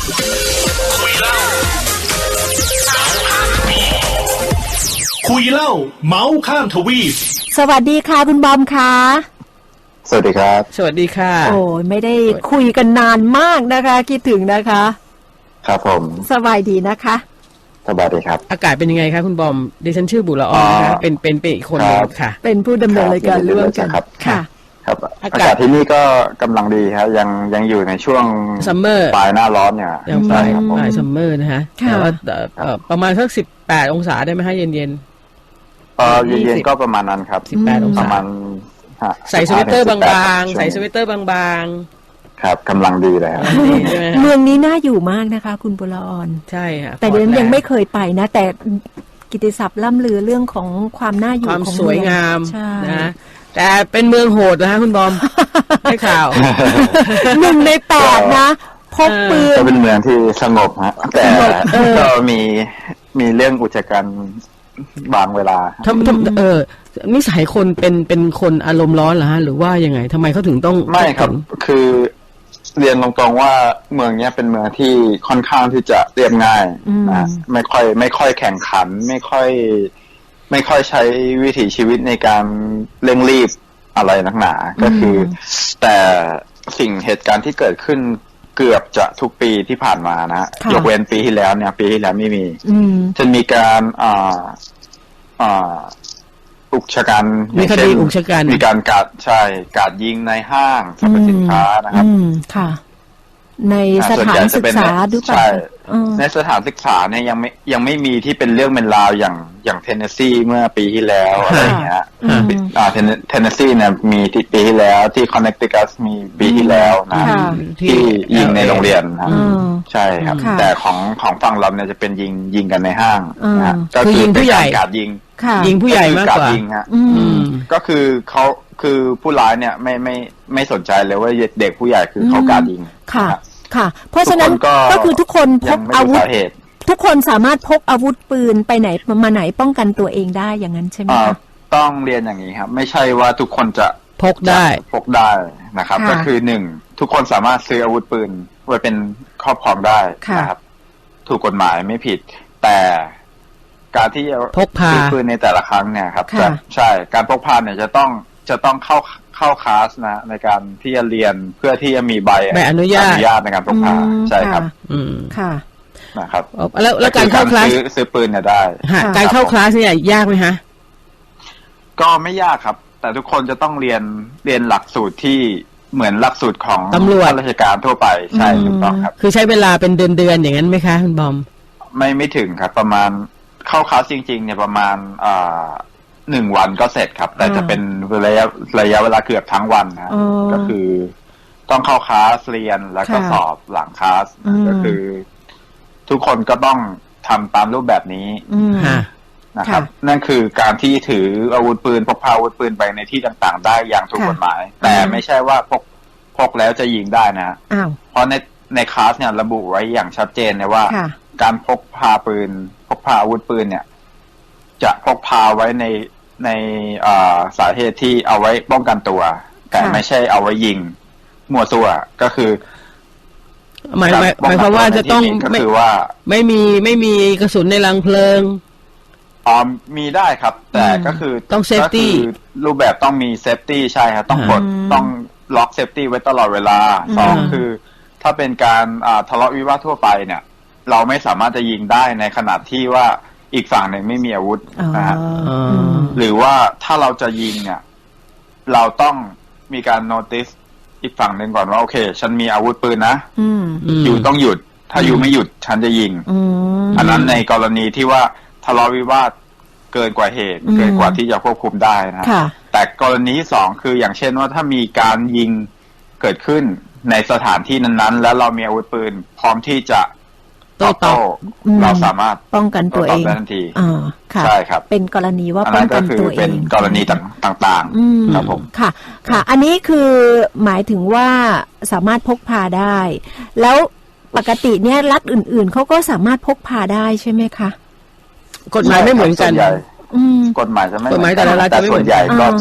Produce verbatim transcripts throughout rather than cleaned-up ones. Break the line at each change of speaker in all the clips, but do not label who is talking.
คุยเล่าเมาส์ข้ามทวีป
สวัสดีค่ะคุณบอมค่ะ
สวัสดีครับ
สวัสดีค่ะ
โอ้ยไม่ได้คุยกันนานมากนะคะคิดถึงนะคะ
ครับผม
สบายดีนะคะ
สบายดีครับ
อากาศเป็นยังไงคะคุณบอมดิฉันชื่อบุรออนนะคะเป็นเป็นเป็นอีกคนนึงค่ะ
เป็นผู้ดำเนินรายการร่วมกันค่ะ
ครับอากาศที่นี่ก็กำลังดีครับยังยังอยู่ในช่วง
ซัมเมอร์
ปลายหน้าร้อนเนี่ย
ยังปลายปลายซัมเมอร์นะคะแต่ว่าประมาณสักสิบแปดองศาได้ไหมคะเย็นเย็น
เออเย็นๆก็ประมาณนั้นครับ
สิบแปดองศา
ประมาณ
ใส่สเวตเตอร์บางๆใส่สเวตเตอร์บาง
ๆครับกำลังดีเลยครับ
เมืองนี้น่าอยู่มากนะคะคุณบุรออน
ใช่ค่ะ
แต่เดี๋ยวยังไม่เคยไปนะแต่กิตติศัพท์ล่ำลือเรื่องของความน่าอยู่
ความสวยงามนะแต่เป็นเมืองโหดนะคะคุณบอมได้ข่าว
หนึ่งในแปดนะพกปืน
ก็เป็นเมืองที่สงบฮะแต่ก็มีมีเรื่องอุจจาระบางเวลา
ทำทำเออนิสัยคนเป็นเป็นคนอารมณ์ร้อนเหรอฮะหรือว่ายังไงทำไมเขาถึงต้อง
ไม่ครับคือเรียนตรงๆว่าเมืองนี้เป็นเมืองที่ค่อนข้างที่จะเรียบง่ายนะไม่ค่อยไม่ค่อยแข่งขันไม่ค่อยไม่ค่อยใช้วิถีชีวิตในการเร่งรีบอะไรนักหนาก็คือแต่สิ่งเหตุการณ์ที่เกิดขึ้นเกือบจะทุกปีที่ผ่านมานะยกเว้นปีที่แล้วเนี่ยปีที่แล้วไม่มีจะมีการอ่าอ่าอุกชะกัน
มีคดีอุกชะกัน
มีการกราดใช่กราดยิงในห้างสรรพสินค้านะครับ
ค่ะในสถานศึกษาดูป่ะ
ในสถานศึกษาเนี่ยยังไม่ยังไม่มีที่เป็นเรื่องเป็นราวอย่างอย่างเทนเนสซีเมื่อปีที่แล้วอะไรอย่างเงี้ยอ่าเทนเทนเนสซีเนี่ยมีที่ปีที่แล้วที่คอนเนคติคัตมีปีที่แล้วนะที่ยิงในโรงเรียนครับใช่ครับแต่ของของฝั่งเราเนี่ยจะเป็นยิงยิงกันในห้างนะ
ก็คือยิงผู้ใหญ่
การยิง
ยิงผู้ใหญ่มากกว่า
ยิงฮะก็คือเขาคือผู้ร้ายเนี่ยไม่ไม่ไม่สนใจเลยว่าเด็กผู้ใหญ่คือเขาการยิง
ค่ะค่ะเพราะฉะนั้นก็คือทุกคนพกอาวุธทุกคนสามารถพกอาวุธปืนไปไหนมาไหนป้องกันตัวเองได้อย่างนั้นใช่ไหมคะ
ต้องเรียนอย่างนี้ครับไม่ใช่ว่าทุกคนจะ
พกได้
พกได้นะครับก็คือหนึ่งทุกคนสามารถซื้ออาวุธปืนไว้เป็นครอบครองได้นะครับถูกกฎหมายไม่ผิดแต่การที่จะ
พกพา
ปืนในแต่ละครั้งเนี่ยครับใช่การพกพาเนี่ยจะต้องจะต้องเข้าเข้าคลาสนะในการที่จะเรียนเพื่อที่จะมีใบ
ใบอนุญาตอ
นุญาตในการพกพาใช่ครับ
อืม
ค่ะ
นะครับ
แล้วแล้วการเข้าคลาส
ซื้อปืนเนี่ยได้
การเข้าคลาสเนี่ยยากไหมฮะ
ก็ไม่ยากครับแต่ทุกคนจะต้องเรียนเรียนหลักสูตรที่เหมือนหลักสูตรของ
ตำรวจ
ราชการทั่วไปใช่ถูกต้องครับ
คือใช้เวลาเป็นเดือนเดือนอย่างนั้นไหมคะคุณบอม
ไม่ไม่ถึงครับประมาณเข้าคลาสจริงๆเนี่ยประมาณอ่าหนึ่งวันก็เสร็จครับแต่จะเป็นระยะระยะเวลาเกือบทั้งวันนะก็คือต้องเข้าคลาสเรียนแล้วก็สอบหลังคลาสก็คือทุกคนก็ต้องทำตามรูปแบบนี้นะครับนั่นคือการที่ถืออาวุธปืนพกพาอาวุธปืนไปในที่ต่างๆได้อย่างถูกกฎหมายแต่ไม่ใช่ว่าพกพกแล้วจะยิงได้นะเพราะในในคลาสเนี่ยระบุไว้อย่างชัดเจนเลยว่าการพกพาปืนพกพาอาวุธปืนเนี่ยจะพกพาไว้ในในสาเหตุที่เอาไว้ป้องกันตัวแต่ไม่ใช่เอาไว้ยิงมั่วซั่วก็คือ
หมายหมายความว่าจะต้อง
ก็คือว่า
ไม่มีไม่มีกระสุนในรังเพลิง
อ๋อมีได้ครับแต่ก็คือ
ต้องเซฟตี้
รูปแบบต้องมีเซฟตี้ใช่ครับต้องกดต้องล็อกเซฟตี้ไว้ตลอดเวลาสองคือถ้าเป็นการทะเลาะวิวาททั่วไปเนี่ยเราไม่สามารถจะยิงได้ในขณะที่ว่าอีกฝั่งหนึ่งไม่มีอาวุธนะฮะหรือว่าถ้าเราจะยิงเนี่ยเราต้องมีการโนติสอีกฝั่งหนึ่งก่อนว่าโอเคฉันมีอาวุธปืนนะอยู่ต้องหยุดถ้าอยู่ไม่หยุดฉันจะยิงอันนั้นในกรณีที่ว่าทะเลาะวิวาทเกินกว่าเหตุเกินกว่าที่จะควบคุมได้นะแต่กรณีที่สองคืออย่างเช่นว่าถ้ามีการยิงเกิดขึ้นในสถานที่นั้นๆแล้วเรามีอาวุธปืนพร้อมที่จะโต้ตอบเราสามารถ
ป้องกันตัวเอง
ได้ทันที
อ่าค่ะ
ใช่ครับ
เป็นกรณีว่าป้องกันตัวเอง
เป็นกรณีต่างๆครับผม
ค่ะค่ะอันนี้คือหมายถึงว่าสามารถพกพาได้แล้วปกติเนี่ยรัฐอื่นๆเขาก็สามารถพกพาได้ใช่ไหมคะ
กฎหมายไม่เหมือนกัน
กฎหมายจะไม่
กฎหมายแต่ละรัฐจะไม่เหมือน
ส่วนใหญ่ก็จะ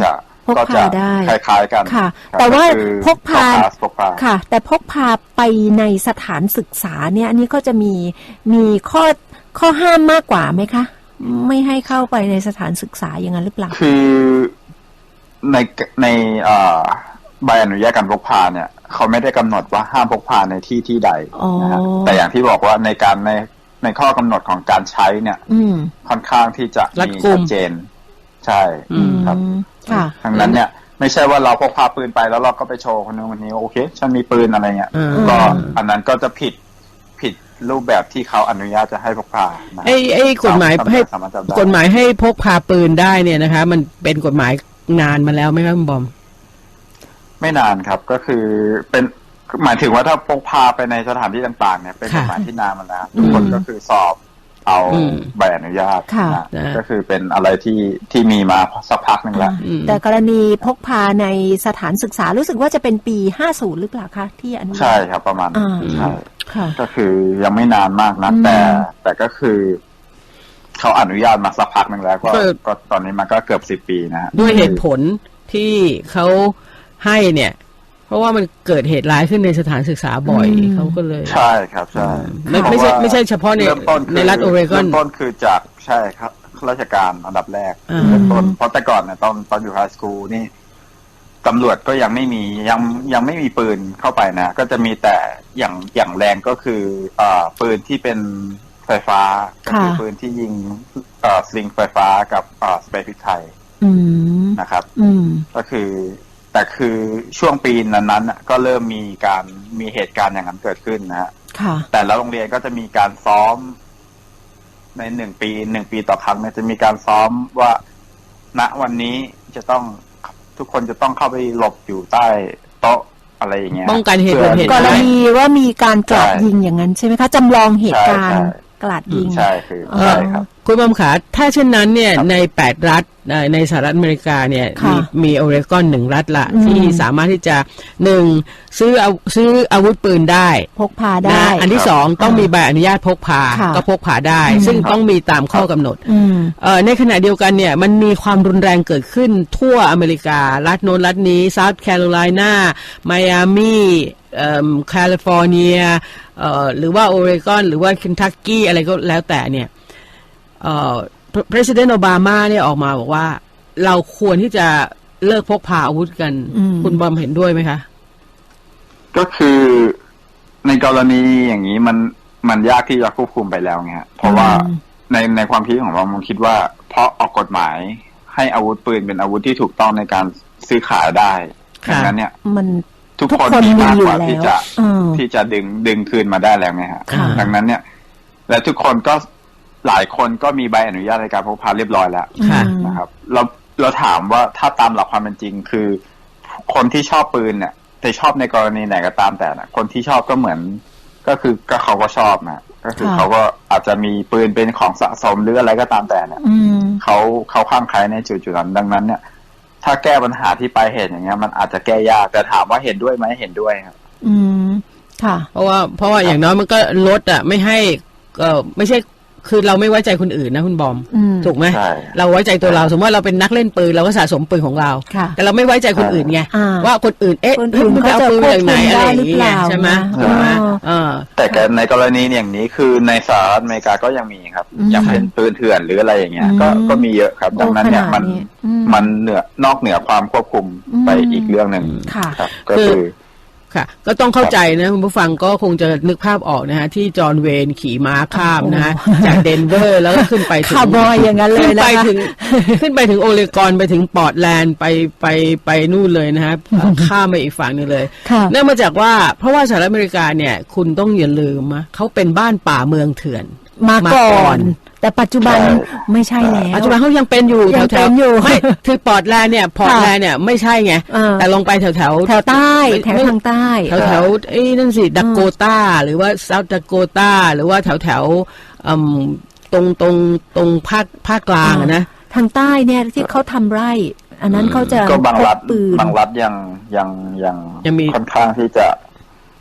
พก
ก็
พา
จะ
ได้
คล้ายๆกัน
ค่ะ
ครับ
แต่ว่า
คือ
พกพา
พกพา
ค่ะ แต่พกพาไปในสถานศึกษาเนี่ยอันนี้ก็จะมีมีข้อข้อห้ามมากกว่าไหมคะ ไม่ให้เข้าไปในสถานศึกษาอย่างนั้นหรือเปล่า
คือในในเอ่อใบอนุญาตการพกพาเนี่ยเขาไม่ได้กำหนดว่าห้ามพกพาในที่ที่ใดนะฮะ
อ๋อ
แต่อย่างที่บอกว่าในการในในข้อกำหนดของการใช้เนี่ย
อืม
ค่อนข้างที่จะ
รัด
มี
กุม
ชัดเจน ใช่
อืม
ครับ
ค่ะ
ทั้งนั้นเนี่ยไม่ใช่ว่าเราพกพาปืนไปแล้วเราก็ไปโชว์คนนู้นคนนี้โอเคฉันมีปืนอะไรเงี้ย
อืม
ก็อันนั้นก็จะผิดผิดรูปแบบที่เขาอนุญาตจะให้พกพานะ
ไอ้ไอ้กฎหมายให้
สามารถจับได้
กฎหมายให้พกพาปืนได้เนี่ยนะคะ มันเป็นกฎหมายนานมาแล้วไหมครับคุณบอม
ไม่นานครับก็คือเป็นหมายถึงว่าถ้าพกพาไปในสถานที่ต่างๆเนี่ยเป็นกฎหมายที่นานมาแล้วทุกคนก็คือสอบเอา
อืม
ใบอนุญาต
ค่ะ
นะ
นะ
ก็คือเป็นอะไรที่ที่มีมาสักพักหนึ่งแล้ว
อืม
แต่กรณีพกพาในสถานศึกษารู้สึกว่าจะเป็นปีห้าสิบหรือเปล่าคะที่อนุญาต
ใช่ครับประมาณ
อ่า
ใช่
ค่ะ
ก็คือยังไม่นานมากนะ
อืม
แต่แต่ก็คือเขาอนุญาตมาสักพักหนึ่งแล้วก็
ก็
ก็ตอนนี้มันก็เกือบสิบปีนะฮะ
ด้วยเหตุผลที่เขาให้เนี่ย เพราะว่ามันเกิดเหตุร้ายขึ้นในสถานศึกษาบ่อย
อืม
เขาก็เลย
ใช่ครับใช่
ไม่ไม่ใช่ไม่ใช่เฉพาะใน
เริ่มต้นคือ
ในรัฐโอเรกอน
เริ่มต้นคือจากใช่ครับข้าราชการอันดับแรก
อ่า
เริ่มต้นเพราะแต่ก่อนเนี่ยตอนตอนอยู่ไฮสคูลนี่ตำรวจก็ยังไม่มียังยังไม่มีปืนเข้าไปนะ ก็จะมีแต่อย่างอย่างแรงก็คือเอ่อปืนที่เป็นไฟฟ้าก็คือ
ค่ะ
ปืนที่ยิงเอ่อสลิงไฟฟ้ากับเอ่อสเปรย์พริกไทย
อืม
นะครับ
อืม
ก็คือแต่คือช่วงปีนั้นๆน่ะก็เริ่มมีการมีเหตุการณ์อย่างนั้นเกิดขึ้นนะฮะ
ค่ะ
แต่ละโรงเรียนก็จะมีการซ้อมในหนึ่งปีหนึ่งปีต่อครั้งเนี่ยจะมีการซ้อมว่าณวันนี้จะต้องทุกคนจะต้องเข้าไปหลบอยู่ใต้โต๊ะอะไรอย่างเงี้ย
ป้องกันเหตุ
พื่อ
เหตุ
ก
ร้าย
รณีว่ามีการกราด
ใช่
ยิงอย่างนั้นใช่ไหมคะจำลองเหตุการณ์
ใช่ใช่
กราดยิง
ใช่คือ
เออ
ใช่ครับ
คุณบอมขาถ้าเช่นนั้นเนี่ย
ครับ
ในแปดรัฐเอ่อในสหรัฐอเมริกาเนี่ย
ค่ะ
มีมีโอเรกอนหนึ่งรัฐละ
อืม
ที่สามารถที่จะหนึ่งซื้อเอาซื้ออาวุธปืนได้
พกพาได้
นะอันที่สองต้องมีใบอนุญาตพกพา
ค่ะ
ก็พกพาได้
อืม
ซึ่งต้องมีตามข้อกำหนด
อืม
เอ่อในขณะเดียวกันเนี่ยมันมีความรุนแรงเกิดขึ้นทั่วอเมริกา รัฐโน้นรัฐนี้เซาท์แคโรไลนาไมอามีเอ่อแคลิฟอร์เนียเอ่อหรือว่าโอเรกอนหรือว่าเคนทักกี้อะไรก็แล้วแต่เนี่ยเอ่อ President Obama เนี่ยออกมาบอกว่าเราควรที่จะเลิกพกพาอาวุธกัน
อืม
คุณบอมเห็นด้วยไหมคะ
ก็คือในกรณีอย่างนี้มันมันยากที่จะควบคุมไปแล้วไงฮะเพราะว่า
อืม
ในในความคิดของเราผมคิดว่าเพราะออกกฎหมายให้อาวุธปืนเป็นอาวุธที่ถูกต้องในการซื้อขายได้
ค่ะ
ดังนั้นเนี่ย
มัน
ทุก
ทุก
คน
คน
มี
มี
มาก
อยู่
กว่า
แล้ว
ที่จะ
เออ
ที่จะดึงดึงคืนมาได้แล้วไงฮะ
ค่ะ
ดังนั้นเนี่ย และทุกคนก็หลายคนก็มีใบอนุญาตในการพกพาเรียบร้อยแล้ว
ค่ะ
อืม
นะครับ เราเราถามว่าถ้าตามหลักความเป็นจริงคือ คนที่ชอบปืนเนี่ยแต่ชอบในกรณีไหนก็ตามแต่นะคนที่ชอบก็เหมือน ก็คือก็เขาก็ชอบนะก็คือ
ค่ะ
เขาก็อาจจะมีปืนเป็นของสะสมหรืออะไรก็ตามแต่เนี่ย
อืม
เขาเขาข้างใครในจุดจุดนั้นดังนั้นเนี่ย ถ้าแก้ปัญหาที่ปลายเหตุอย่างเงี้ยมันอาจจะแก้ยากแต่ถามว่าเห็นด้วยไหมเห็นด้วยครับ
อืม ค่ะ
เพราะว่าเพราะว่าอย่างน้อยมันก็ลดอ่ะไม่ให้เออไม่ใช่คือเราไม่ไว้ใจคนอื่นนะคุณบอม
อืม
ถูกไหม
ใช่
เราไว้ใจตัวเราสมมติว่าเราเป็นนักเล่นปืนเราก็สะสมปืนของเรา
ค่ะ
แต่เราไม่ไว้ใจคนอื่นไง
อ่า
ว่าคนอื่นเอ๊ะ
คนอื่น
มึงไปเอาปืนมาจากไหน
เขาจะ
อะไรอย่างเงี้ย
ควบคุมได้หรือเปล่า
ใช่ไหม
นะ
ถูกไหม
เออ
เออ
แต่แกในกรณีอย่างนี้คือในสหรัฐอเมริกาก็ยังมีครับ
อืม
อย่างเป็นปืนเถื่อนหรืออะไรอย่างเงี้ย ก็
อืม
ก็มีเยอะครับ
โอ้
ดังนั้นเนี่ย
ขนาด
มัน
นี้อืม
มันเหนือนอกเหนือความควบคุม
อืม
ไปอีกเรื่องหนึ่ง
ค่ะ
ครับ ก็คือ
ค่ะ ก็ต้องเข้าใจนะคุณผู้ฟังก็คงจะนึกภาพออกนะฮะที่จอห์นเวนขี่ม้าข้ามนะฮะ
โอ้โห
จากเดนเวอร์แล้วก็ขึ้นไปถึง
คาร์บอยอย่างนั้นเลย
ขึ้น
นะ
ไป
คะ
ถึงขึ้นไปถึงโอเรกอนไปถึงปอร์ตแลนด์ไปไปไปนู่นเลยนะฮะข้ามไปอีกฝั่งหนึงเลย
ค่ะ
เนื่องมาจากว่าเพราะว่าสหรัฐอเมริกาเนี่ยคุณต้องอย่าลืมนะเขาเป็นบ้านป่าเมืองเถื่อน
มาก่อ
มาก่อน น
แต่ปัจจุบัน
ใช่
ไม่ใช่แล้ว
ปัจจุบันเขายังเป็นอยู่
ยัง
แถ
เป็
วน
อยู่
ๆไม่คือปอร์ตแลนด์เนี่ยพอร์ตแลนด์เนี่ยไม่ใช่ไง
เออ
แต่ลงไปแถวแถว
แถวใต้ แถวทางใต้
แถวแถวๆไอ้นั่นสิดักโกตาหรือว่าเซาท์ดักโกตาหรือว่าแถวแถวๆอืมตรงตรงตรงภาคภาคกลางอะนะ
ทางใต้เนี่ยที่เขาทำไร่ อันนั้นเขาจะ
ก็บางรัฐ
พกปืน
บางรัฐยังยังยัง
ยังมี
ค่อนข้างที่จะ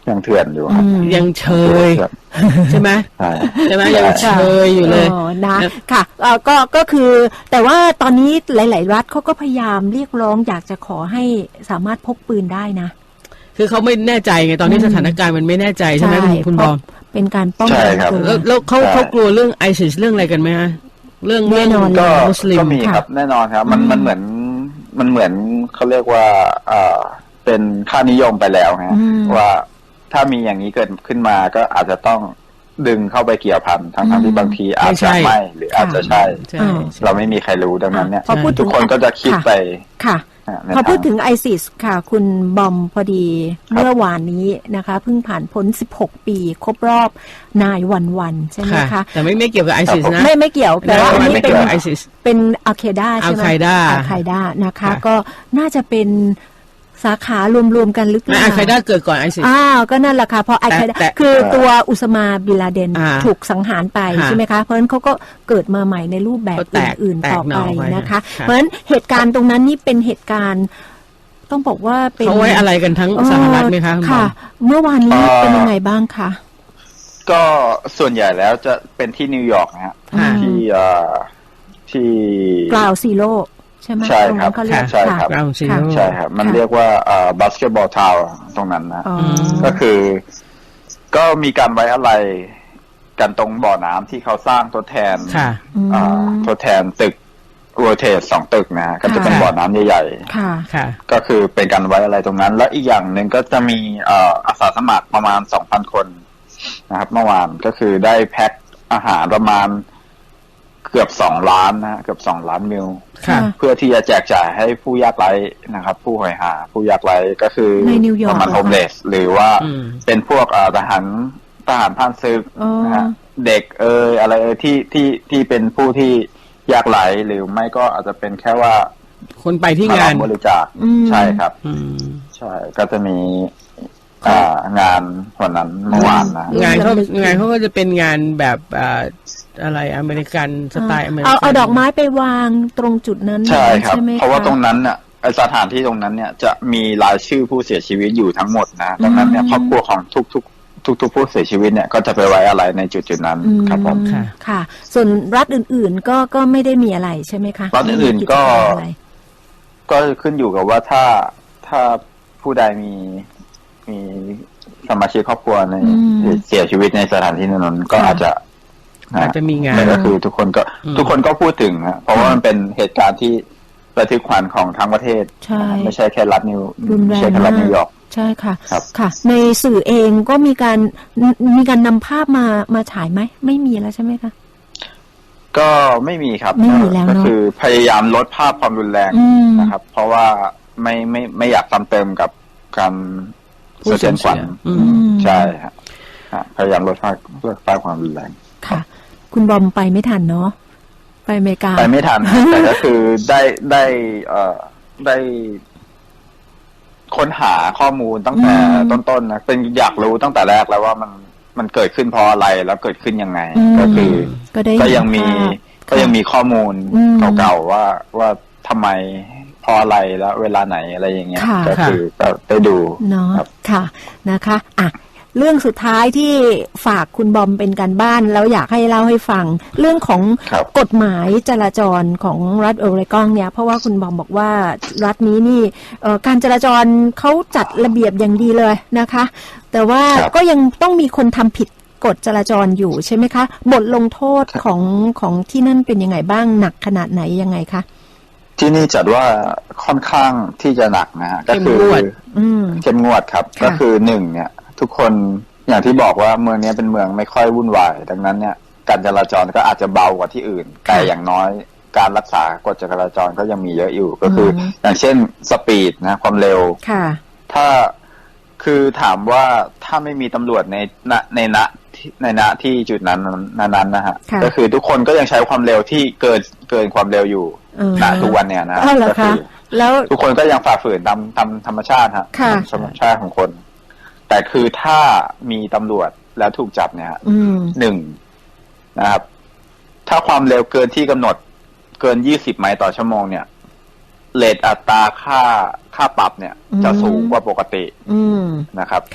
ยังเถื่อนอยู่ครับ
ยังเชยใช่ไหม
ใช่
ใช่ไหมยังเชยอยู่เลย
อ๋อนะค่ะเอ่อก็ก็คือแต่ว่าตอนนี้หลาย ๆ รัฐเขาก็พยายามเรียกร้องอยากจะขอให้สามารถพกปืนได้นะ
คือเขาไม่แน่ใจไงตอนนี้สถานการณ์มันไม่แน่ใจใช่ไหมคุณบอม
เป็นการป้องกันตัว
แล้วแล้วเขาเขากลัวเรื่องไอซิสเรื่องอะไรกันไหมฮะเรื่อง
แน่นอน
ก็
มุสลิม
ก็มีครับแน่นอนครับมันมันเหมือนมันเหมือนเขาเรียกว่าเอ่อเป็นค่านิยมไปแล้วฮะว่าถ้ามีอย่างนี้เกิดขึ้นมาก็อาจจะต้องดึงเข้าไปเกี่ยวพันทั้งทั้งที่บางทีอาจจะไม่หรืออาจจะใช่เราไม่มีใครรู้ดังนั้นเนี่ยทุกคนก็จะคิดไป
ค่ะพอพูดถึงไอซิสค่ะคุณบอมพอดีเมื่อวานนี้นะคะเพิ่งผ่านพ้นสิบหกปีครบรอบนายวันวันใช่ไหมคะ
แต่ไม่ไม่เกี่ยวกับไอซิสนะ
ไม่ไม่เกี่ยวแต่ว่าอันนี้เป็น
ไอซิส
เป็นอัลเคด้าใช่ไหม
อัลไคด้า
อัลไคด้านะคะก็น่าจะเป็นสาขารวมๆกันหรือเปล่า
อัลไคด้าเกิดก่อนไอซิส
อ้าวก็นั่นแหละค่ะเพราะอัลไคด้าคือตัวอุสมาบินลาเดนถูกสังหารไปใช่ไหมคะเพราะฉะนั้นเขาก็เกิดมาใหม่ในรูปแบบอื่นๆต่อไปนะคะเพราะฉะนั้นเหตุการณ์ตรงนั้นนี่เป็นเหตุการณ์ต้องบอกว่าเป็น
เขาไว้อะไรกันทั้งสหรัฐไหมคะ
ค่ะเมื่อวานนี้เป็นยังไงบ้างคะ
ก็ส่วนใหญ่แล้วจะเป็นที่นิวยอร์กนะฮะที่ที่
กล่าวซีโร่ใช่ไหม
ใช่ครับใช่ครับใช่ครับมันเรียกว่าบาสเกตบอลทาวน์ตรงนั้นนะก็คือก็มีการไว้อะไรกันตรงบ่อน้ำที่เขาสร้างทดแทนทดแทนตึกโรเทตสองตึกนะฮะก็จะเป็นบ่อน้ำใหญ่ๆก็คือเป็นการไว้อะไรตรงนั้นแล้วอีกอย่างหนึ่งก็จะมีอาสาสมัครประมาณ สองพัน คนนะครับเมื่อวานก็คือได้แพ็คอาหารประมาณเกือบสองล้านนะเกือบสองล้านมิลเพื่อที่จะแจกจ่ายให้ผู้ยากไร้นะครับผู้หอยหาผู้ยากไร้ก็คือประมาณโฮมเลสหรือว่าเป็นพวกทหารทหารผ่านศึกนะฮะเด็กเอออะไรเออที่ที่ที่เป็นผู้ที่ยากไร้หรือไม่ก็อาจจะเป็นแค่ว่า
คนไปที่งาน
บริจาคใช่ครับใช่ก็จะมีงานวันนั้นเมื่อวานนะ
งานเขางานเขาก็จะเป็นงานแบบอะไรอเมริกันสไตล์อเมริกัน
เอาเอาดอกไม้ไปวางตรงจุดนั้น
ใช่ครับเพราะว่าตรงนั้นน่ะสถานที่ตรงนั้นเนี่ยจะมีรายชื่อผู้เสียชีวิตอยู่ทั้งหมดนะดังนั้นเนี่ยครอบครัวของทุกทุกทุกทุกผู้เสียชีวิตเนี่ยก็จะไปไว้อะไรในจุดจุดนั้นครับผม
ค่ะส่วนรัฐอื่นๆก็ก็ไม่ได้มีอะไรใช่ไหมคะ
รัฐอื่นๆก็ก็ขึ้นอยู่กับว่าถ้าถ้าผู้ใดมีมีสมาชิกครอบครัวในเสียชีวิตในสถานที่นั้นก็อาจจะ
อาจจะมีงาน
ก็คือทุกคนก็ทุกคนก็พูดถึงนะเพราะว่ามันเป็นเหตุการณ์ที่ระทึกขวัญของทั้งประเทศไม่ใช่แค่รัฐนิวไม่ใช่แค่รัฐนิวยอร์ก
ใช่ค่ะค่ะในสื่อเองก็มีการมีการนำภาพมามาฉายไหมไม่มีแล้วใช่ไหมคะ
ก็ไม่มีครับ
ไม่มีแล้ว
ก็คือพยายามลดภาพความรุนแรงนะครับเพราะว่าไม่ไม่ไม่อยากซ้ำเติมกับการสะเทือนขวัญใช่ครับพยายามลดภาพลดภาพความรุนแรง
ค่ะคุณบอมไปไม่ทันเนาะไปอเมริกา
ไปไม่ทันแต่ก็คือได้ได้เอ่อได้ค้นหาข้อมูลตั้งแต่ต้นๆนะเป็นอยากรู้ตั้งแต่แรกแล้วว่ามันมันเกิดขึ้นเพราะอะไรแล้วเกิดขึ้นยังไงก็คือก็ยังมีก็ยังมีข้อมูลเก่าๆว่าว่าทำไมเพราะอะไรแล้วเวลาไหนอะไรอย่างเงี้ยก็คือก็ได้ดู
เนาะค่ะนะคะอ่ะเรื่องสุดท้ายที่ฝากคุณบอมเป็นการบ้านแล้วอยากให้เล่าให้ฟังเรื่องของกฎหมายจราจรของรัฐโอเรกอนเนี่ยเพราะว่าคุณบอมบอกว่ารัฐนี้นี่การจราจรเขาจัดระเบียบอย่างดีเลยนะคะแต่ว่าก็ยังต้องมีคนทำผิดกฎจราจรอยู่ใช่ไหมคะบทลงโทษของของที่นั่นเป็นยังไงบ้างหนักขนาดไหนยังไงคะ
ที่นี่จัดว่าค่อนข้างที่จะหนักนะฮะก็คือเข้มงวดครับก็คือหนึ่งเนี่ยทุกคนอย่างที่บอกว่าเมืองนี้เป็นเมืองไม่ค่อยวุ่นวายดังนั้นเนี่ยการจราจรก็อาจจะเบากว่าที่อื่นแต่อย่างน้อยการรักษากฎจราจรก็ยังมีเยอะอยู่ก็คืออย่างเช่นสปีดนะความเร็วถ้าคือถามว่าถ้าไม่มีตำรวจในณในณในณที่จุดนั้นนั้นนะฮะก็คือทุกคนก็ยังใช้ความเร็วที่เกินเกินความเร็วอยู่ณทุกวันเนี่ยนะก็คือแล้วทุกคนก็ยังฝ่าฝืนตามตามธรรมชาติฮะธรรมชาติของคนแต่คือถ้ามีตำรวจแล้วถูกจับเนี่ยหนึ่งนะครับถ้าความเร็วเกินที่กำหนดเกินยี่สิบไมล์ต่อชั่วโมงเนี่ยเรทอัตราค่าค่าปรับเนี่ยจะสูงกว่าปกตินะครับ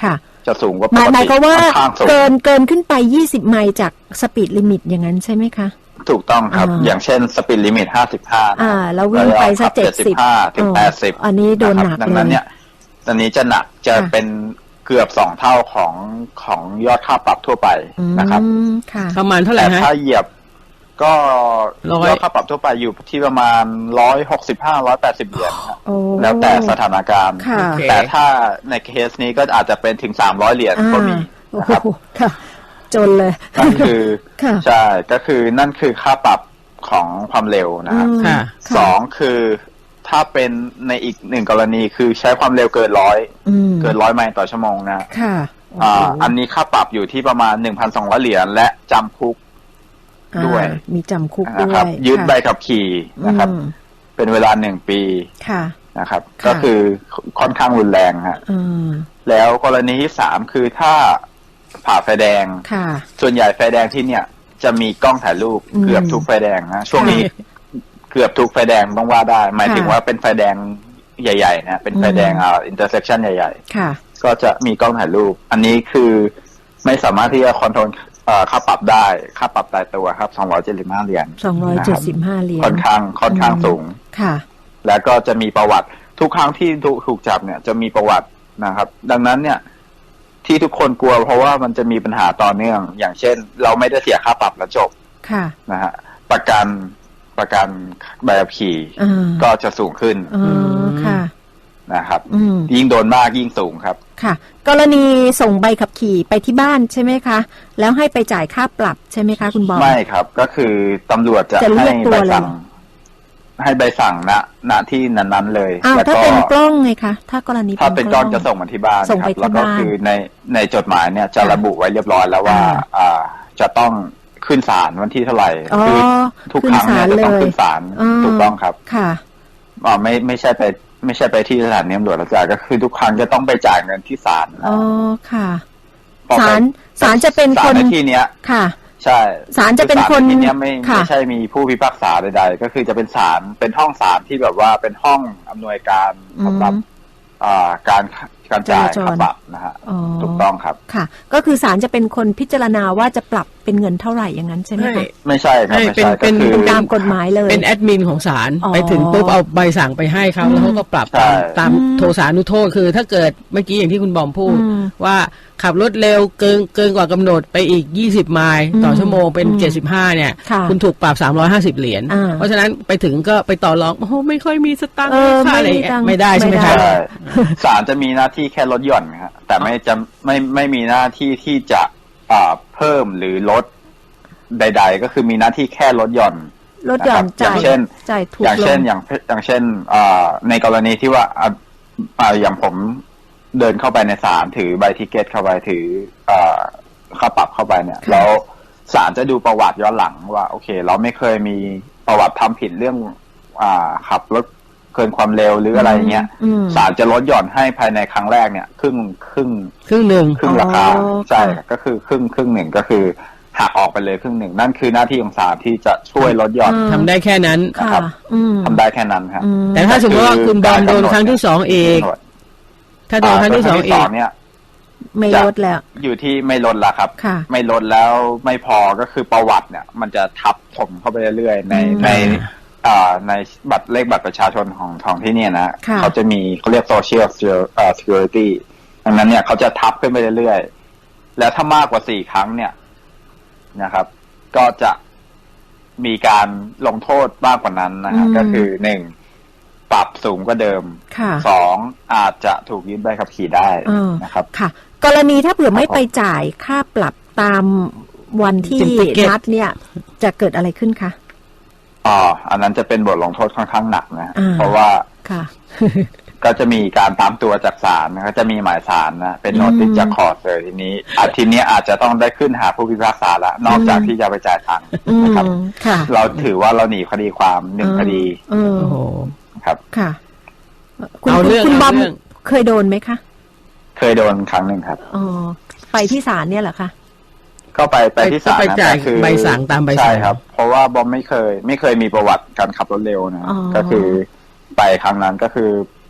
จะสูงกว่าป
หมาย
ก
หมาย
ติ
ความว่า
ค่อนข้างสูง
เกินเกินขึ้นไปยี่สิบไมล์จากสปีดลิมิตอย่างนั้นใช่ไหมคะ
ถูกต้องครับ
อ่า
อย่างเช่นสปีดลิมิตห้าสิบห้า
อ่าแล้ววิ่งไปสักเจ็ดสิบ
ห้าถึงแปดสิบ
อันนี้โดนหนัก
ดัง
เล
นั้น
ย
เนี่ยอันนี้จะหนักจะ
ค่ะ
เป็นเกือบสองเท่าของของยอดค่าปรับทั่วไปนะครับ
อืมค่ะ
ประมาณเท่าไหร่
แต่
ฮะ
ถ้าเหยียบก็
ร้อย
ยอดค่าปรับทั่วไปอยู่ที่ประมาณร้อยหกสิบห้าร้อยแปดสิบเหรียญครับ
โอ้
แล้วแต่สถานการณ์
ค่ะ
โอเค
แต่ถ้าในเคสนี้ก็อาจจะเป็นถึงสามร้อยเหรียญ
อ่า
ก็มี
โอ้
นะ
โห
ครับ
ค่ะ จนเลย
นั่นคือ
ค่ะ
ใช่ก็คือนั่นคือค่าปรับของความเร็วนะครับ
อืม
ค่ะ
สองคือถ้าเป็นในอีกหนึ่งกรณีคือใช้ความเร็วเกินร้อย
อืม
เกินร้อยไมล์ต่อชั่วโมงนะ
ค่ะ
อ่าอันนี้ค่าปรับอยู่ที่ประมาณหนึ่งพันสองร้อยเหรียญและจำคุก
อ่า
ด้วย
มีจำคุกด้
นะ
ว
ครับ
ย
ยึด
ค่ะ
ใบขับขี่นะครับ
อืม
เป็นเวลาหนึ่งปี
ค่ะ
นะครับ
ค่ะ
ก็คือค่อนข้างรุนแรงฮะ
อืม
แล้วกรณีที่สามคือถ้าผ่าไฟแดง
ค่ะ
ส่วนใหญ่ไฟแดงที่เนี่ยจะมีกล้องถ่ายรูป
อืม
เกือบทุกไฟแดงนะช่วงนี้เกือบทุกไฟแดงต้องว่าได้ หมายถึง
ค่ะ
ว่าเป็นไฟแดงใหญ่ๆนะเป็นไฟแดง
อืม
อ่าอินเตอร์เซชันใหญ่
ค่ะ
ๆ ก็จะมีกล้องถ่ายรูป อันนี้คือไม่สามารถที่จะคอนโทรลเอ่อค่าปรับได้ค่าปรับตายตัวครับสองร้อยเจ็ดสิบห้าเหรียญ
สองร้อยเจ็ดสิบห้าเหรียญ
ค่อนข้างค่อนข้างสูง
ค่ะ
แล้วก็จะมีประวัติทุกครั้งที่ถูกถูกจับเนี่ยจะมีประวัตินะครับ ดังนั้นเนี่ยที่ทุกคนกลัวเพราะว่ามันจะมีปัญหาต่อเนื่อง อย่างเช่น เราไม่ได้เสียค่าปรับแล้วจบ
ค่ะ
นะฮะประกันประกันใบขับขี่
อ่า
ก็จะสูงขึ้น
อ๋อค่ะ
นะครับ
อืม
ยิ่งโดนมากยิ่งสูงครับ
ค่ะ กรณีส่งใบขับขี่ไปที่บ้านใช่ไหมคะ แล้วให้ไปจ่ายค่าปรับใช่ไหมคะคุณบอม
ไม่ครับก็คือตำรวจจะ
จะเรี
ให้
ยกตัว
ใบ
เลย
สั่ง ให้ใบสั่งณณที่นั้นๆเลย
อ้าว
แล้ว
ถ้า
ก็
เป็นกล้องไงคะ ถ้ากรณี
ถ้าเป็นกล้องจะส่งมาที่บ้าน
ส่ง
ค
ไป
รับ
ที่
แล้วก็
บ้าน
คือในในจดหมายเนี่ยจะ
ค่ะ
ระบุไว้เรียบร้อยแล้วว่า
อ่า
อ่าจะต้องขึ้นศาลวันที่เท่าไหร่
อ๋อ
คืทุกครั้งเนี่ยจะต้องขึ้นศาล
อ่า
ถูกต้องครับ
ค่ะ
อ๋อไม่ไม่ใช่ไปไม่ใช่ไปที่สถานีตำรวจแล้วจ่ายก็คือทุกครั้งจะต้องไปจ่ายเงินที่ศาล
อ๋อ ค่ะ
พอไป
ศาลศาลจะเป็นคน
ศาลในที่เนี้ย
ค่ะ
ใช่
ศาลจะเป็นคน
ศาลในที่เนี้ยไม่
ค่ะ
ไม่ใช่มีผู้พิพากษาใดๆก็คือจะเป็นศาลเป็นห้องศาลที่แบบว่าเป็นห้องอำนวยการสำหรับ
อืม
อ่าการการจ่าย
จราจร
ค่าปรับนะฮะ
อ๋อ
ถูกต้องครับ
ค่ะ ก็คือศาลจะเป็นคนพิจารณาว่าจะปรับเป็นเงินเท่าไหร่อย่างนั้นใช่ไหม
ไม่
คะ
ไม่ใช่ครับ
ให้
ไม่
เป็น
ใช่
เป็
ก็
น
คือ
เป็นตามกฎหมายเลย
เป็นแอดมินของศาล
อ๋อ
ไปถึงปุ๊บเอาใบสั่งไปให้เขาแล้วเขาก็ปรับตาม
ใช่
ตาม
อืม
โทสานุโทษคือ ถ้าเกิดเมื่อกี้อย่างที่คุณบอมพูด
อืม
ว่าขับรถเร็วเกินเกินกว่ากำหนดไปอีกยี่สิบไมล์ต่อชั่วโมงเป็น
อืม
เจ็ดสิบห้าเนี่ย
ค่ะ
คุณถูกปรับสามร้อยห้าสิบเหรียญ
อ่า
เพราะฉะนั้นไปถึงก็ไปต่อรองโอ้โหไม่ค่อยมีสตังค์
เออ
ค่าอะไร
ไม่มีตังค์
ไม่ได้ใช่ไหม
ไม่
ค
ได้
รับ
ใช่ศาลจะมีหน้าที่แค่ลดหย่อนนะฮะแต่ไม่จะไม่ไม่มีหน้าที่ที่จะอ่าเพิ่มหรือลดใด ๆ ก็คือมีหน้าที่แค่ลดหย่อน
ลดหย่อน
นะครับอ
จ่า
ย่าย งเช่น
จ่ายถูก
อย่าง
ล
เช่น
ง
อย่างอย่างเช่นอ่าในกรณีที่ว่าอ่าอ่าอย่างผมเดินเข้าไปในศาลถือใบทิเกตเข้าไปถืออ่าค่าปรับเข้าไปเนี่ย
ค่ะ
แล้วศาลจะดูประวัติย้อนหลังว่าโอเค เราไม่เคยมีประวัติทำผิดเรื่องอ่าขับรถเกินความเร็วหรืออะไรอย่างเงี้ย
อืม
ศาลจะลดหย่อนให้ภายในครั้งแรกเนี่ยครึ่งครึ่ง
ครึ่งหนึ่ง
ครึ่งราคา
อ๋อ
ใช่
ค่ะ
ก็คือครึ่งครึ่งหนึ่งก็คือหักออกไปเลยครึ่งหนึ่งนั่นคือหน้าที่ของศาลที่จะช่วยลดหย่อน
อ่า
ทำได้แค่นั้น
นะ
ค่ะ
ครับ
อืม
ทำได้แค่นั้นครับ
อืม
แต่ถ้าสมมติว่าคุณบอมโดนครั้งที่สองเอกถ้าโดนครั้งที่สองเอก
เนี่ย
ไม่ลดแล้ว
อยู่ที่ไม่ลดละครับ
ค่ะ
ไม่ลดแล้วไม่พอก็คือประวัติเนี่ย มันจะทับถมเข้าไปเรื่อยๆใน
อืม
ในอ่าในบัตรเลขบัตรประชาชนของของที่เนี่ยนะ
ค่ะ
เขาจะมีเขาเรียก social security ดังนั้นเนี่ยเขาจะทับขึ้นไปเรื่อยๆแล้วถ้ามากกว่าสี่ครั้งเนี่ยนะครับ ก็จะมีการลงโทษมากกว่านั้นนะฮะ
อืม
ก็คือหนึ่งปรับสูงกว่าเดิม
ค่ะ
สองอาจจะถูกยึดใบขับขี่ได้
อ่าน
นะครับ
ค่ะ กรณีถ้าเผื่อไม่
ครับผม
ไปจ่ายค่าปรับตามวันที่
เป็นติเกต
นัดเนี่ย จะเกิดอะไรขึ้นคะ
อ๋ออันนั้นจะเป็นบทลงโทษค่อนข้างหนักนะ
อ่า
เพราะว่า
ค่ะ
ก็จะมีการตามตัวจากศาลนะก็จะมีหมายศาลนะเป็นโนติส
อืม
จากคอร์สเลยทีนี้อาทีนี้อาจจะต้องได้ขึ้นหาผู้พิพากษาละนอกจาก
อืม
ที่จะไปจ่ายตังค์
อืม
นะครับ
ค่ะ
เราถือว่าเราหนีคดีความหนึ่งคดี
เออ
โอ้โห
ครับ
ค่ะ คุณ
เอาเรื่อง
คุณบอม
เอาเรื่อง
เคยโดนไหมคะ
เคยโดนครั้งหนึ่งครับ
อ๋อไปที่ศาลเนี่ยเหรอคะ
ก็ไปไปที่ศาล
ไป
นะ
จ่าย
แต่คือ
ใบสั่งตามใบสั่ง
ใช่ครับ เพราะว่าบอมไม่เคย ไม่เคยมีประวัติการขับรถเร็วนะ
อ๋อ
ก็คือไปครั้งนั้นก็คือไป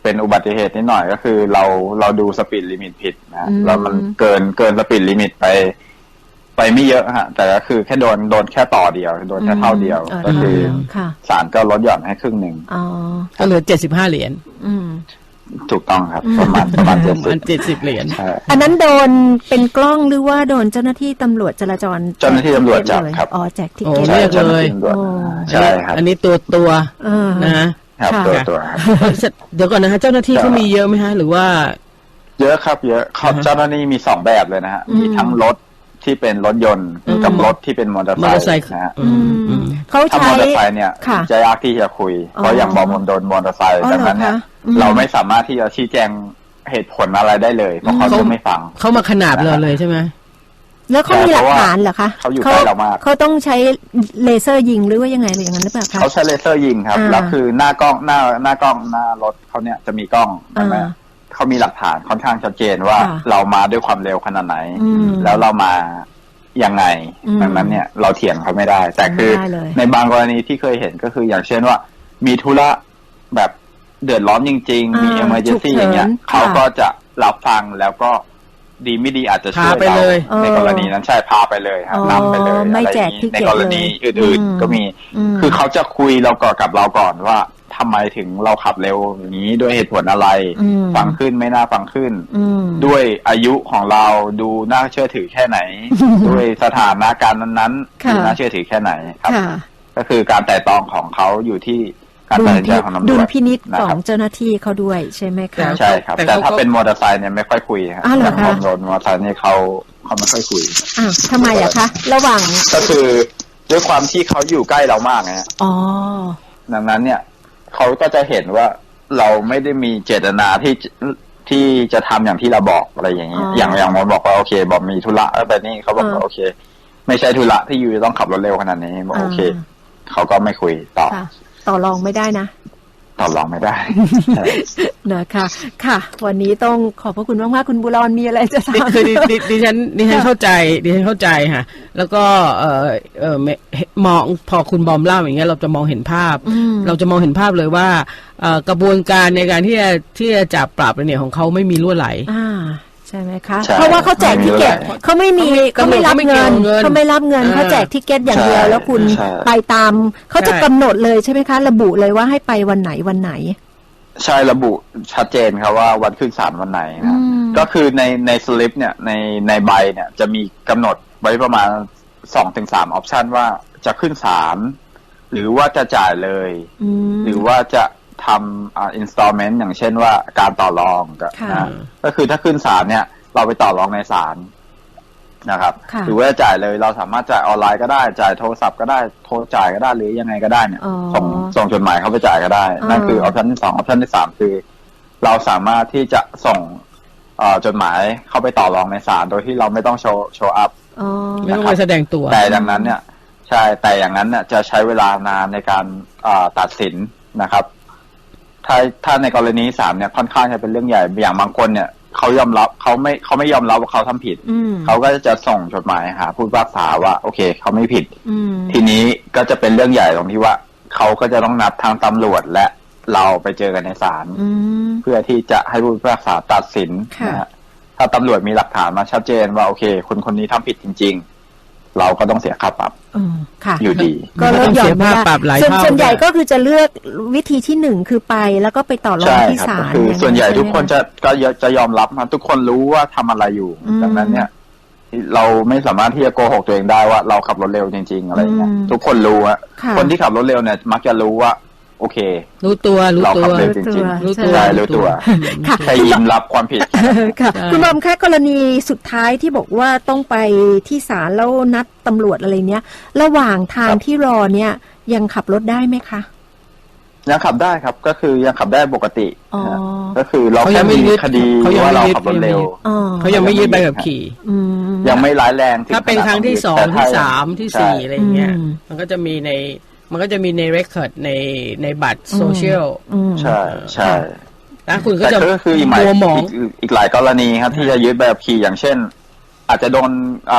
เป็นอุบัติเหตุนิดหน่อยก็คือเราเราดูสปีดลิมิตผิดนะแล้วมันเกินเกินสปีดลิมิตไปไปไม่เยอะฮะแต่ก็คือแค่โดนโดนแค่ต่อเดียวโดนแค่เท่าเดียวก็คือศาลก็ลดหย่อนให้ครึ่งหนึ่ง
ก็เหลือเจ็ดสิบห้าเหรียญ
ถูกต้องครับประมาณประมาณ
เจ็ดสิบเหรียญ
อันนั้นโดนเป็นกล้องหรือว่าโดนเจ้าหน้าที่ตำรวจจราจร
เจ้าหน้าที่ตำรวจจับครับ
อ๋อแจกทิ
เก็
ต
เรียกเลย
ใช่ครับ
อันนี้ตัวตัวนะครับ
ตัวตัว
เดี๋ยวก่อนนะฮะเจ้าหน้าที่เขามีเยอะไหมฮะหรือว่า
เยอะครับเยอะเขาเจ้าหน้าที่มีสองแบบเลยนะฮะมีทั้งรถที่เป็นรถยนต์กับรถที่เป็นมอเตอร์ไซค์นะฮะ
เขาใช้
ถ้ามอเตอร์ไซค์เนี่ยจะยากที่จะคุยเพราะอย่างบอมโดนมอเตอร์ไซค์ดังนั้นเนี่ยเราไม่สามารถที่จะชี้แจงเหตุผลอะไรได้เลยเพราะเขาจะไม่ฟัง
เขามาขนาบเราเลยใช่ไหม
แล้วเขามีหลักฐานเหรอคะ
เขาอยู่ใกล้เรามาก
เขาต้องใช้เลเซอร์ยิงหรือว่ายังไงหรืออย่างนั้นหรือเปล่าคะ
เขาใช้เลเซอร์ยิงครับแล้วคือหน้ากล้องหน้าหน้ากล้องหน้ารถเขาเนี่ยจะมีกล้องใช่ไหมเขามีหลักฐานค่อนข้างชัดเจนว่าเรามาด้วยความเร็วขนาดไหนแล้วเรามายังไงดังนั้นเนี่ยเราเถียงเขาไม่ได้แต่คือในบางกรณีที่เคยเห็นก็คืออย่างเช่นว่ามีธุระแบบเดือดร้อนจริงๆมี emergency อย่างเงี้ยเขาก็จะรับฟังแล้วก็ดีไม่ดีอาจจะช่วยเราในกรณีนั้นใช่พาไปเลยครับนำไปเลยอะไรอย่างนี้ในกรณีอื่นๆก็มีคือเขาจะคุยเราก่อนกับเราก่อนว่าทำไมถึงเราขับเร็วอย่างนี้ด้วยเหตุผลอะไรฟังขึ้นไม่น่าฟังขึ้นด้วยอายุของเราดูน่าเชื่อถือแค่ไหนด้วยสถานะการนั้นๆดูน่าเชื่อถือแค่ไหนครับก็คือการแต่ตองของเขาอยู่ที่การตัดสินใจของตำรวจ
ดุลพินิจของเจ้าหน้าที่เขาด้วยใช่ไหมคะ
ใช่ครับแต่ถ้าเป็นมอเตอร์ไซค์เนี่ยไม่ค่อยคุยครับแต่พอโดนมอเตอร์ไซค์เนี่ยเขาเขาไม่ค่อยคุย
อ้าวทำไมอะคะระหว่าง
ก็คือด้วยความที่เขาอยู่ใกล้เรามากไงอ๋อดังนั้นเนี่ยเขาก็จะเห็นว่าเราไม่ได้มีเจตนาที่ที่จะทำอย่างที่เราบอกอะไรอย่างนี้อย่างอย่างมดบอกว่าโอเคบอกมีธุระแบบนี้เขาบอกว่าโอเคไม่ใช่ธุระที่อยู่ต้องขับรถเร็วขนาดนี้บอกโอเคเขาก็ไม่คุยต่อ
ต่อรองไม่ได้นะ
ต่อรองไม่ได้
นะคะค่ะวันนี้ต้องขอบพระคุณมากๆคุณบุรอนมีอะไรจะถาม
คือดิฉันดิฉันเข้าใจดิฉันเข้าใจค่ะแล้วก็เออเออมองพอคุณบอมเล่าอย่างเงี้ยเราจะมองเห็นภาพเราจะมองเห็นภาพเลยว่ากระบวนการในการที่จะที่จะจับปราบเนี่ยของเขาไม่มีรั่วไหล
ใช่ไหมคะเพราะว่าเขาแจกทิเก็ตเขาไม่มีเขาไม่รับเงินเขาไม่รับเงินเขาแจกทิเก็ตอย่างเดียวแล้วคุณไปตามเขาจะกำหนดเลยใช่ไหมคะระบุเลยว่าให้ไปวันไหนวันไหน
ใช่ระบุชัดเจนครับว่าวันขึ้นศาลวันไหนนะก็คือในในสลิปเนี่ยในในใบเนี่ยจะมีกำหนดไว้ประมาณสองถึงสามออปชันว่าจะขึ้นศาลหรือว่าจะจ่ายเลยหรือว่าจะทำอ่า installment อย่างเช่นว่าการต่อรองก็นะก็คือถ้าขึ้นศาลเนี่ยเราไปต่อรองในศาลนะครับหรือว่าจ่ายเลยเราสามารถจ่ายออนไลน์ก็ได้จ่ายโทรศัพท์ก็ได้โทรจ่ายก็ได้หรือยังไงก็ได้เนี่ยส่งส่งจดหมายเข้าไปจ่ายก็ได้นั่นคือออปชันที่สองออปชันที่สามคือเราสามารถที่จะส่งจดหมายเข้าไปต่อรองในศาลโดยที่เราไม่ต้องโชว์โชว์อัพ
ไม่ต้องไปแสดงตัว
แต่ดังนั้นเนี่ยใช่แต่อย่างนั้นเนี่ยจะใช้เวลานานในการตัดสินนะครับถ้าถ้าในกรณีสามเนี่ยค่อนข้างจะเป็นเรื่องใหญ่อย่างบางคนเนี่ยเขายอมรับเขาไม่เขาไม่ยอมรับว่าเขาทำผิดเขาก็จะส่งจดหมายหาผู้พิพากษาว่าโอเคเขาไม่ผิดทีนี้ก็จะเป็นเรื่องใหญ่ตรงที่ว่าเขาก็จะต้องนัดทางตำรวจและเราไปเจอกันในศาลเพื่อที่จะให้ผู้พิพากษาตัดสินนะฮะถ้าตำรวจมีหลักฐานมาชัดเจนว่าโอเคคนคนนี้ทำผิดจริงๆเราก็ต้องเสียค่าปรับอยู่ดี
ก็ลดหย่อนไม่ได้ส่วนส่วนใหญ่ก็คือจะเลือกวิธีที่หนึ่งคือไปแล้วก็ไปต่อรองที่ศาล
คือส่วนใหญ่ทุกคนจะก็จะยอมรับนะทุกคนรู้ว่าทำอะไรอยู่ดังนั้นเนี่ยเราไม่สามารถที่จะโกหกตัวเองได้ว่าเราขับรถเร็วจริงๆอะไรเงี้ยทุกคนรู้อะคนที่ขับรถเร็วเนี่ยมักจะรู้ว่าโอเค
รู้ตัวรู้ตัว
เราขับเร็วจริงๆรู้ตัวรู้ตัวแค่ยินรับความผิด
ค่ะคุณบอมคะกรณีสุดท้ายที่บอกว่าต้องไปที่ศาลแล้วนัดตำรวจอะไรเนี้ยระหว่างทางที่รอเนี่ยยังขับรถได้ไหมคะ
ยังขับได้ครับก็คือยังขับได้ปกติก็คือเราแค่มีคดีว่าเราขับรถเร็ว
เขายังไม่ยึดใบขับขี่
ยังไม่ร้ายแรง
ถ้าเป็นครั้งที่สองที่สามที่สี่อะไรเงี้ยมันก็จะมีในมันก็จะมีในเรคคอร์ดในในบัตรโซเชียล
ใช่ใช่
แล้วคุณก็จะ
ก็คืออีกหมายอีกหลายกรณีครับที่จะยึดใบขับขี่อย่างเช่นอาจจะโดน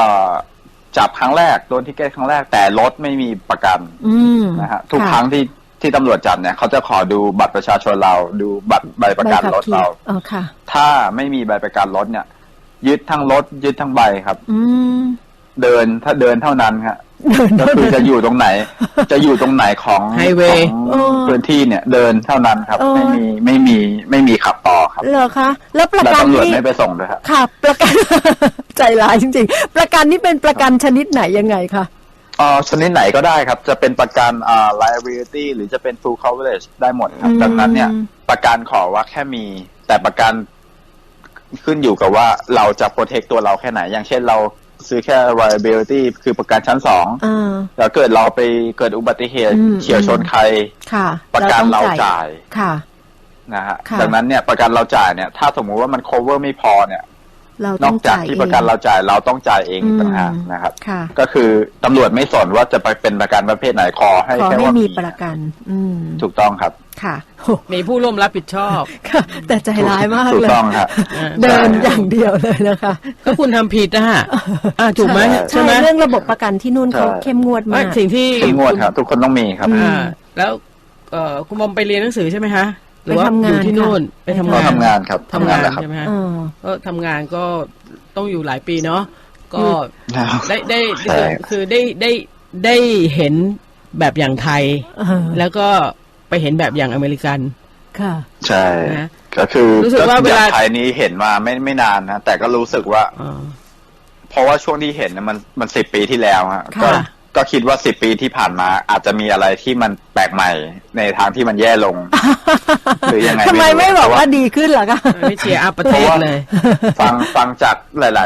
จับครั้งแรกโดนทิเก็ตครั้งแรกแต่รถไม่มีประกันนะฮะทุกครั้งที่ที่ตำรวจจับเนี่ยเขาจะขอดูบัตรประชาชนเราดูบัตรใบประกันรถเรา
อ๋อค่ะ
ถ้าไม่มีใบประกันรถเนี่ยยึดทั้งรถยึดทั้งใบครับ
อืม
เดินถ้าเดินเท่านั้นครับก็คือจะอยู่ตรงไหน จะอยู่ตรงไหนของ
ไฮเวย์
ของพื้นที่เนี่ยเดินเท่านั้นครับ ไม่มีไม่มีไม่มีขับต่อครับ
เหรอคะแล้วประ
และ
กัน
ตำรวจ
นี่
ไม่ไปส่งด้วยครับ
ค่ะ ประกัน ใจร้ายจริงๆ ประกันนี่เป็นประกันชนิดไหนยังไงคะ
เอ่อชนิดไหนก็ได้ครับจะเป็นประกันอ่า liability หรือจะเป็น full coverage ได้หมดครับ
อืม
ดังนั้นเนี่ยประกันขอว่าแค่มีแต่ประกันขึ้นอยู่กับว่าเราจะ protect ตัวเราแค่ไหน อย่างเช่นเราซื้อแค่ liability คือประกันชั้นสอง
อ่า
แล้วเกิดเราไปเกิดอุบัติเหตุ
อืม
เฉียวชนใคร
ค่ะ
ประกันเรา
ต้อง
จ่าย
ค่ะ
นะฮะ
ค่ะ
ดังนั้นเนี่ยประกันเราจ่ายเนี่ยถ้าสมมุติว่ามัน cover ไม่พอเนี่ย
เรา
น
ต้
อ
อก ง
จาก
จ่าย
ที่
เอง
ประกันเราจ่ายเราต้องจ่ายเอง
อืม
ต่างหากนะครับ
ค่ะ
ก็คือตำรวจไม่สนว่าจะไปเป็นประกันประเภทไหนขอให้
ขอ
แค่
ให้
ว่า
มี
มี
ประกัน อืม
ถูกต้องครับ
ค่ะโอ้
มีผู้ร่วมรับผิดชอบ
ค่ะ แต่ใจร้ายมาก
ถูก
เลย
ต้องครับ
เดินอย่างเดียวเลยนะคะ
ก็คุณทำผิดนะฮะอ่าถูกไหม
ใช่
ใช่ไหม
เรื่องระบบประกันที่นู่นเขา
ใช่
เข้มงวด
ไม่
มาก
สิ่งที่
เข้มงวดครับ ทุกคนต้องมีครับ
อืม
อ่าแล้วเอ่อคุณบอมไปเรียนหนังสือใช่ไหมฮะหรือว่า
ไปทำงาน
อยู่ที่นู่น
ค่ะ
ไปทำ
ก็
งาน
ทำงานครับทำงานแหละครับ
ใช่ไหมฮะ
เออ
ก็ทำงานก็ต้องอยู่หลายปีเนาะก็
ครับ
ได้ได้
ใช่
คือได้ได้ได้เห็นแบบอย่างไทย
เออ
แล้วก็ไปเห็นแบบอย่างอเมริกัน
ค่ะ
ใช่
นะ
ก็คือ
รู้สึกว่าเวลา
อย่งไทยนี้เห็นมาไม่ไม่นานนะแต่ก็รู้สึกว่า
อ่า
เพราะว่าช่วงที่เห็นน่ะมันมันสิบปีที่แล้วฮะ
ค่ะ
ก็ก็คิดว่าสิบปีที่ผ่านมาอาจจะมีอะไรที่มันแปลกใหม่ในทางที่มันแย่ลง หรือยังไง
ทำไมไม่บอกว่า
เพระ
ดีขึ้นล่ะคะ
ไม่เชียร์อัพประเทศเลย
ฟังฟังจากหลาย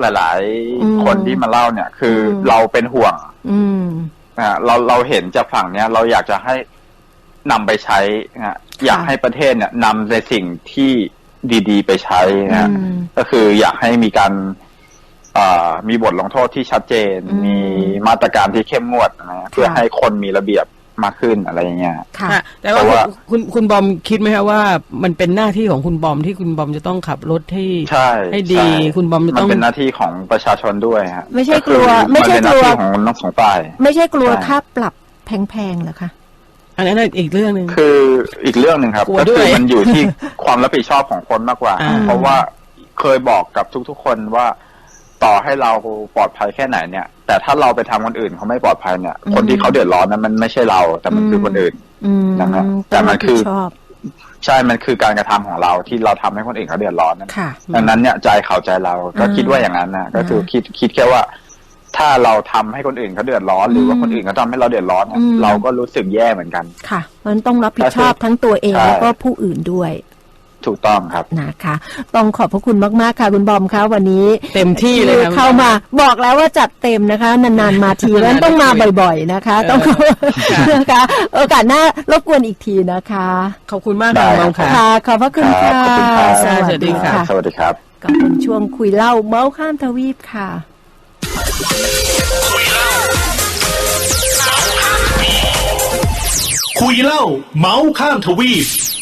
ๆ หลาย
อืม
ๆ คนที่มาเล่าเนี่ย คืออ
ม
เราเป็นห่วง
อืม
อ่าเราเราเห็นจากฝั่งเนี้ย เราอยากจะให้นำไปใช้นะฮะอยากให้ประเทศเนี่ยนำในสิ่งที่ดีๆ ไปใช้นะฮะ
อืม
ก็คืออยากให้มีการอ่ามีบทลงโทษที่ชัดเจน
อืม
มีมาตรการที่เข้มงวดนะฮะเพื่อให้คนมีระเบียบมากขึ้นอะไรอย่างเงี้ย
ค่ะ
ค่ะแต่ว่า
แต่ว่า
คุณคุณบอมคิดไหมคะว่ามันเป็นหน้าที่ของคุณบอมที่คุณบอมจะต้องขับรถให้
ใช่
ให้ดี
ใช่
คุณบอมจะ
มั
ต้
น
อง
เป็นหน้าที่ของประชาชนด้วยฮะ
ไม่ใช่
คือก
ลัวไม่ใช่
นเป็นหน้าก
ลัว
ที่ของทั้งสองฝ่าย
ไม่ใช่กลัว
ใช่
ค่าปรับแพงๆเหรอคะ
อันนั้นอีกเรื่องหนึ่ง
คืออีกเรื่องหนึ่งครับ
กลัว
ก็
ด้
คื
วย
อมันอยู่ที่ ความรับผิดชอบของคนมากกว่า
อ่า
เพราะว่าเคยบอกกับทุกๆ คนว่าต่อให้เราปลอดภัยแค่ไหนเนี่ย แต่ถ้าเราไปทำคนอื่นเขาไม่ปลอดภัยเนี่ย
อืม
คนที่เขาเดือดร้อนนั้นมันไม่ใช่เรา แต่มันคือคนอื่น
อืม
นะครับแต่
ต้อง
มั
รั
น
บ
คื
ผิด
อ
ชอบ
ใช่ มันคือการกระทำของเราที่เราทำให้คนอื่นเขาเดือดร้อนนั่น
ค่ะ
ดังนั้นเนี่ยใจเขาใจเราก็
อืม
คิดว่าอย่างนั้นนะก็คือ
อืม
คิดคิดแค่ว่า ถ้าเราทำให้คนอื่นเขาเดือดร้อน หรือว่า
อืม
คนอื่นเขาทำให้เราเดือดร้อนเนี่ย
อืม
เราก็รู้สึกแย่เหมือนกัน
ค่ะ มันต้องรับผิดชอบทั้งตัวเอง
ใช่
แล้วก็ผู้อื่นด้วย
ถูกต้องครับ
นะคะ ต้องขอบพระคุณมากๆค่ะคุณบอมคะวันนี้
เต็มที่เลยครับ
เข้ามาบอกแล้วว่าจัดเต็มนะคะ นานๆมาทีแล้วต้องมาบ่อยๆนะคะ ต้องนะคะโอกาสหน้ารบกวนอีกทีนะคะ
ขอบคุณมาก
ได้
ค่ะบอมค่ะ
ค่ะ ขอบพระคุณ
ครั
ค่ะ
บขอบคุณครับ
สวัส
สวัสดี
ดี
ค่ะ
ค่ะ
สวัสดีครับ
ก็เป็นช่วงคุยเล่าเมาส์ข้ามทวีปค่ะ
คุยเล่าเมาส์ข้ามทวีป